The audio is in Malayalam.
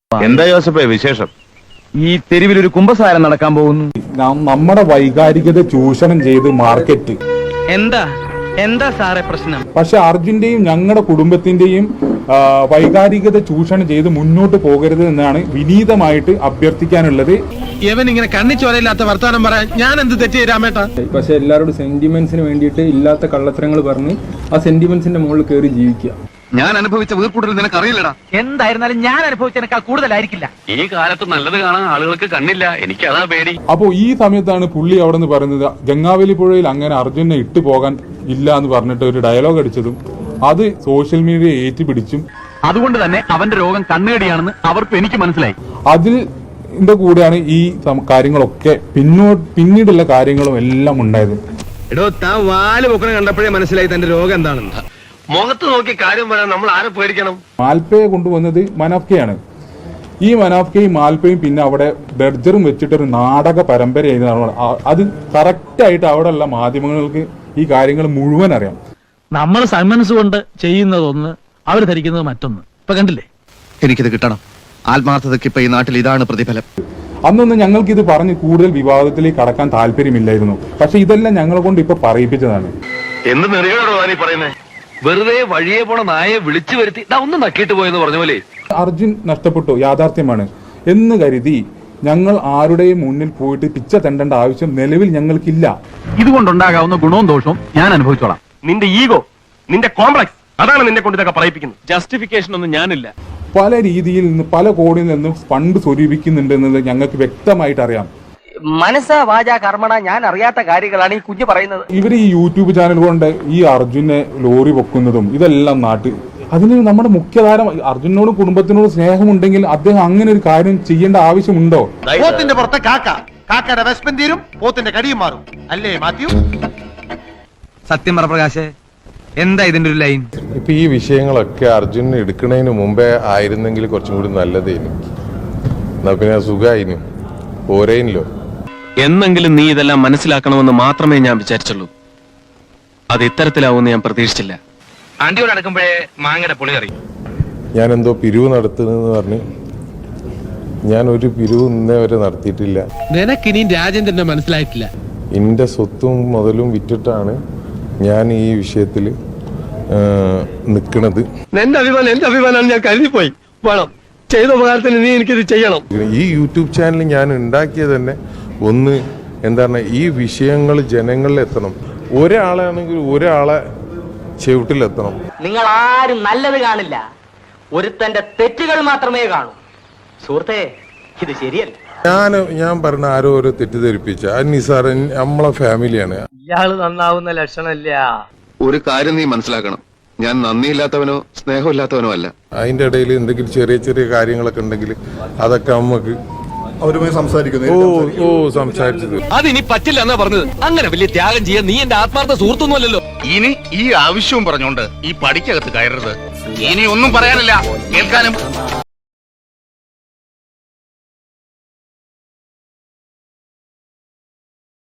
എന്താ ജോസഫേ വിശേഷം? ഈ തെരുവിൽ ഒരു കുംഭസാരം നടക്കാൻ പോകുന്നു. നമ്മുടെ വൈകാരികത ചൂഷണം ചെയ്ത് മാർക്കറ്റ്. എന്താ സാറേ പ്രശ്നം? പക്ഷെ അർജുന്റെയും ഞങ്ങളുടെ കുടുംബത്തിന്റെയും വൈകാരികത ചൂഷണം ചെയ്ത് മുന്നോട്ട് പോകരുത് എന്നാണ് വിനീതമായിട്ട് അഭ്യർത്ഥിക്കാനുള്ളത്. ഇവൻ ഇങ്ങനെ കണ്ണിച്ചോരയില്ലാത്ത വർത്താനം പറയാൻ ഞാൻ എന്ത് തെറ്റ് ചെയ്താമേട്ടാ? പക്ഷെ എല്ലാവരോടും സെന്റിമെന്റ്സിന് വേണ്ടിയിട്ട് ഇല്ലാത്ത കള്ളത്തരങ്ങൾ പറഞ്ഞ് ആ സെന്റിമെന്റ്സിന്റെ മുകളിൽ കയറി ജീവിക്കുക. ഞാൻ അനുഭവിച്ച വീർക്കൂടൽ നിനക്ക് അറിയില്ലടാ. എന്തായിരുന്നാലും ഞാൻ അനുഭവിച്ചതിനേക്കാൾ കൂടുതലായിരിക്കില്ല. ഈ കാലത്ത് നല്ലത് കാണാൻ ആളുകൾക്ക് കണ്ണില്ല, എനിക്ക് അതാ പേടി. അപ്പോ ഈ സമയത്താണ് പുള്ളി അവിടെ നിന്ന് പറയുന്നത് ഗംഗാവലി പുഴയിൽ അങ്ങനെ അർജുനെ ഇട്ടു പോകാൻ ഇല്ല എന്ന് പറഞ്ഞിട്ട് ഒരു ഡയലോഗ് അടിച്ചതും അത് സോഷ്യൽ മീഡിയ ഏറ്റുപിടിച്ചും. അതുകൊണ്ട് തന്നെ അവന്റെ രോഗം കണ്ണുകടിയാണെന്ന് അവർക്ക് എനിക്ക് മനസ്സിലായി. അതിന്റെ കൂടെയാണ് ഈ കാര്യങ്ങളൊക്കെ പിന്നീടുള്ള കാര്യങ്ങളും എല്ലാം ഉണ്ടായത്. എടോ താൻ വാല് പൊക്കണ കണ്ടപ്പോഴേ മനസ്സിലായി തന്റെ രോഗം എന്താണെന്ന്. മുഖത്ത് നോക്കി കാര്യം പറയാൻ നമ്മൾ ആരെ പേടിക്കണം? മാൽപ്പയെ കൊണ്ടുവന്നത് മനാഫ്കയാണ്. ഈ മനാഫ്കയും മാൽപ്പയും പിന്നെ അവിടെ ബെർജറും വെച്ചിട്ടൊരു നാടക പരമ്പരയായിരുന്നു. അത് കറക്റ്റായിട്ട് അവിടെ ഉള്ള മാധ്യമങ്ങൾക്ക് ഈ കാര്യങ്ങൾ മുഴുവൻ അറിയാം. നമ്മൾ സന്മനസ് കൊണ്ട് ചെയ്യുന്നതൊന്ന്, അവർ ധരിക്കുന്നത് മറ്റൊന്ന്. ഇപ്പൊ കണ്ടില്ലേ? എനിക്കിത് കിട്ടണം. ആത്മാർത്ഥതയ്ക്ക് ഇപ്പൊ ഈ നാട്ടിൽ ഇതാണ് പ്രതിഫലം. അന്നൊന്നും ഞങ്ങൾക്ക് ഇത് പറഞ്ഞ് കൂടുതൽ വിവാദത്തിലേക്ക് കടക്കാൻ താല്പര്യമില്ലായിരുന്നു. പക്ഷെ ഇതെല്ലാം ഞങ്ങളെ കൊണ്ട് ഇപ്പൊ പറയിപ്പിച്ചതാണ്. എന്ത് നെറിയോടോ നീ പറയുന്നേ? വെറുതെ വഴിയെ പോണ നായെ വിളിച്ചു വരുത്തി ഒന്ന് നക്കിയിട്ട് പോയെന്ന് പറഞ്ഞ പോലെ. അർജുൻ നഷ്ടപ്പെട്ടു, യാഥാർത്ഥ്യമാണ് എന്ന് കരുതി ഞങ്ങൾ ആരുടെയും മുന്നിൽ പോയിട്ട് പിച്ച തെണ്ടേണ്ട ആവശ്യം നിലവിൽ ഞങ്ങൾക്കില്ല. ഇതുകൊണ്ടുണ്ടാകാവുന്ന ഗുണവും ദോഷവും ഞാൻ അനുഭവിച്ചോളാം. നിന്റെ ഈഗോ, നിന്റെ കോംപ്ലക്സ്, അതാണ് നിന്നെ കൊണ്ട് ഇതൊക്കെ പറയിപ്പിക്കുന്നത്. ജസ്റ്റിഫിക്കേഷൻ ഒന്നും ഞാനില്ല. പല രീതിയിൽ നിന്ന് പല കോടിയിൽ നിന്നും ഫണ്ട് സ്വരൂപിക്കുന്നുണ്ടെന്നത് ഞങ്ങൾക്ക് വ്യക്തമായിട്ട് അറിയാം. മനസ്സ വാച കർമ്മണ ഞാൻ അറിയാത്ത കാര്യങ്ങളാണ് ഈ കുഞ്ഞ് പറയുന്നത്. ഇവർ ഈ യൂട്യൂബ് ചാനൽ കൊണ്ട് ഈ അർജുനെ ലോറി പൊക്കുന്നതും ഇതെല്ലാം അതിന് നമ്മുടെ മുഖ്യധാരം അർജുനോടും കുടുംബത്തിനോടും സ്നേഹമുണ്ടെങ്കിൽ അദ്ദേഹം അങ്ങനെ ഒരു കാര്യം ചെയ്യേണ്ട ആവശ്യമുണ്ടോ? പോത്തിന്റെ പുറത്തെ കാക്കയുടെ വിശപ്പൻ തീരും, പോത്തിന്റെ കടിയും മാറും. അല്ലേ മാത്യു? സത്യം പറ പ്രകാശേ, എന്താ ഇതിന്റെ ഒരു ലൈൻ? ഇപ്പൊ ഈ വിഷയങ്ങളൊക്കെ അർജുൻ എടുക്കുന്നതിന് മുമ്പേ ആയിരുന്നെങ്കിൽ കുറച്ചും കൂടി നല്ലതേനു. എന്നാ പിന്നെ സുഖമായിനും പോരേനല്ലോ. എന്നെങ്കിലും നീ ഇതെല്ലാം മനസ്സിലാക്കണമെന്ന് മാത്രമേ ഞാൻ വിചാരിച്ചുള്ളൂ. അത് ഇത്തരത്തിലാവുമെന്ന് ഞാൻ പ്രതീക്ഷിച്ചില്ല. ആന്റിയോട് നടക്കുമ്പോഴേ മാങ്ങയുടെ പുളി അറിയും. ഞാൻ എന്തോ പിരിവ് നടത്തുന്നെന്ന് പറഞ്ഞ് ഞാൻ ഒരു പിരിവ് ഇന്നേ വരെ നടത്തിയിട്ടില്ല. നിനക്കിനിയും രാജേന്ദ്രനെ മനസ്സിലായിട്ടില്ല. എന്റെ സ്വത്തും മുതലും വിറ്റിട്ടാണ് ഞാൻ ഈ വിഷയത്തിൽ നിൽക്കുന്നത്. എന്റെ അഭിമാനം ഞാൻ കരുതിപ്പോയി. വേണം ചെയ്ത ഉപകാരത്തിന് നീ എനിക്കിത് ചെയ്യണം. ഈ യൂട്യൂബ് ചാനൽ ഞാൻ ഉണ്ടാക്കിയത് തന്നെ ഒന്ന് എന്താണ്, ഈ വിഷയങ്ങൾ ജനങ്ങളിൽ എത്തണം. ഒരാളാണെങ്കിൽ ഒരാളെ ചെവിട്ടിലെത്തണം. നിങ്ങൾ ആരും നല്ലത് കാണില്ല, ഒരുത്തന്റെ തെറ്റുകൾ മാത്രമേ കാണൂ. സുഹൃത്തേ, ഇത് ശരിയല്ല. ഞാൻ പറഞ്ഞ ആരോ ഓരോ തെറ്റിദ്ധരിപ്പിച്ച നിസാർ നമ്മളെ ഫാമിലിയാണ്. ഇയാള് നന്നാവുന്ന ലക്ഷണമില്ല. ഒരു കാര്യം നീ മനസ്സിലാക്കണം, ഞാൻ നന്ദിയില്ലാത്തവനോ സ്നേഹമില്ലാത്തവനോ അല്ല. അതിന്റെ ഇടയിൽ എന്തെങ്കിലും ചെറിയ ചെറിയ കാര്യങ്ങളൊക്കെ ഉണ്ടെങ്കിൽ അതൊക്കെ നമുക്ക് അവരുമായി സംസാരിക്കുന്നത് സംസാരിച്ചത് അതിനി പറ്റില്ല എന്നാ പറഞ്ഞത്. അങ്ങനെ വലിയ ത്യാഗം ചെയ്യാൻ നീ എന്റെ ആത്മാർത്ഥ സുഹൃത്തൊന്നുമല്ലല്ലോ. ഇനി ഈ ആവശ്യവും പറഞ്ഞോണ്ട് ഈ പടിക്കകത്ത് കയറരുത്. ഇനി ഒന്നും പറയാനില്ല, കേൾക്കാനും